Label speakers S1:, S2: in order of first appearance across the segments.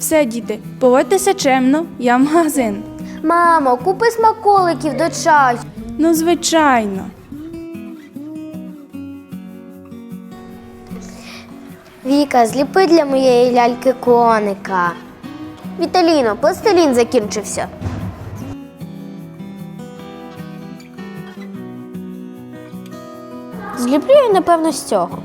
S1: Все, діти, поводьтеся чемно, я в магазин.
S2: Мамо, купи смаколиків до чаю.
S1: Ну, звичайно.
S2: Віка, зліпи для моєї ляльки коника. Віталіно, пластилін закінчився. Зліплю я, напевно, з цього.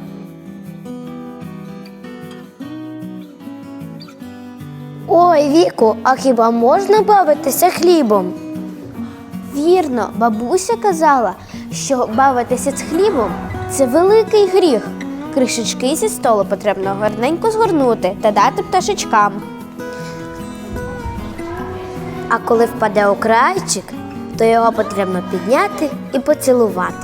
S2: Ой, Віку, а хіба можна бавитися хлібом? Вірно, бабуся казала, що бавитися з хлібом – це великий гріх. Кришечки зі столу потрібно гарненько згорнути та дати пташечкам. А коли впаде окрайчик, то його потрібно підняти і поцілувати.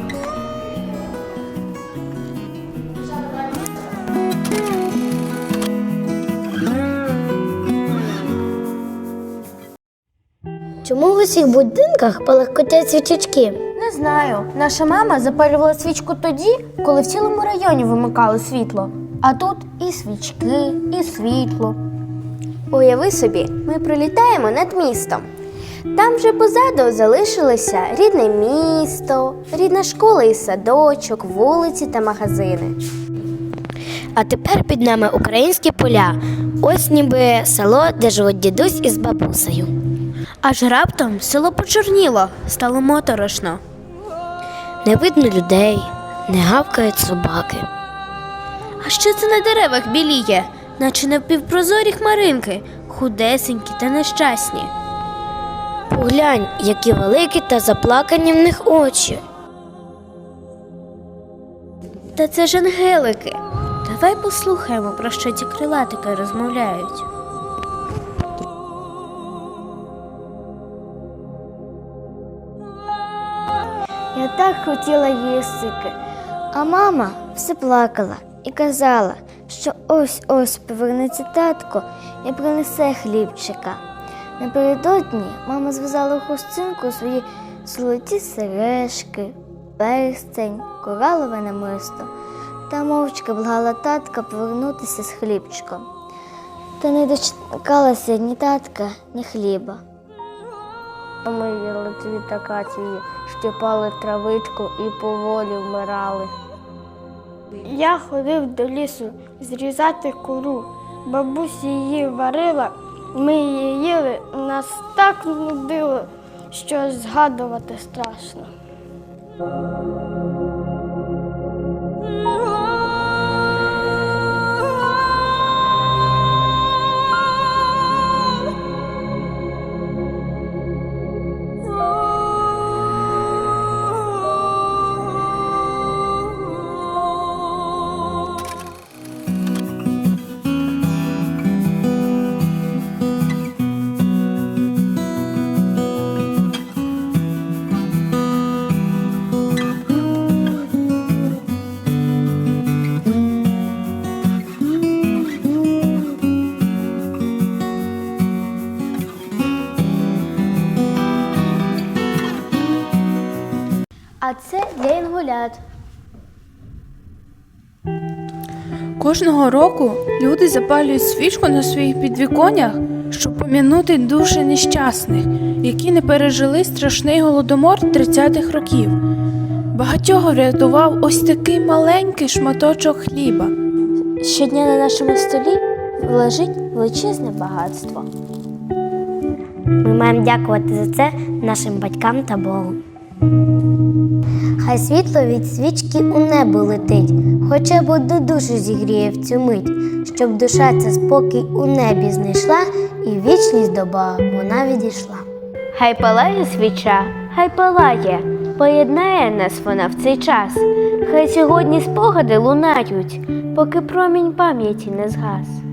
S2: Чому в усіх будинках палахкотять свічечки? Не знаю. Наша мама запалювала свічку тоді, коли в цілому районі вимикали світло. А тут і свічки, і світло. Уяви собі, ми прилітаємо над містом. Там вже позаду залишилося рідне місто, рідна школа і садочок, вулиці та магазини. А тепер під нами українські поля. Ось ніби село, де живуть дідусь із бабусею. Аж раптом село почорніло, стало моторошно. Не видно людей, не гавкають собаки. А що це на деревах біліє, наче напівпрозорі хмаринки, худесенькі та нещасні? Поглянь, які великі та заплакані в них очі. Та це ж ангелики. Давай послухаємо, про що ці крилатики розмовляють. Я так хотіла їстики, а мама все плакала і казала, що ось-ось повернеться татко і принесе хлібчика. Напередодні мама зв'язала у хустинку свої золоті сережки, перстень, коралове намисто та мовчки благала татка повернутися з хлібчиком. Та не дочекалася ні татка, ні хліба. Ми їли цвіт акації, щипали травичку і поволі вмирали.
S3: Я ходив до лісу зрізати кору. Бабуся її варила, ми її їли, нас так нудило, що згадувати страшно.
S2: А це для інгулят.
S1: Кожного року люди запалюють свічку на своїх підвіконнях, щоб пом'янути душі нещасних, які не пережили страшний голодомор 30-х років. Багатьох врятував ось такий маленький шматочок хліба.
S2: Щодня на нашому столі лежить величезне багатство. Ми маємо дякувати за це нашим батькам та Богу. Хай світло від свічки у небо летить, хоча б одну душу зігріє в цю мить, щоб душа ця спокій у небі знайшла і в вічність до Бога вона відійшла. Хай палає свіча, хай палає, поєднає нас вона в цей час. Хай сьогодні спогади лунають, поки промінь пам'яті не згас.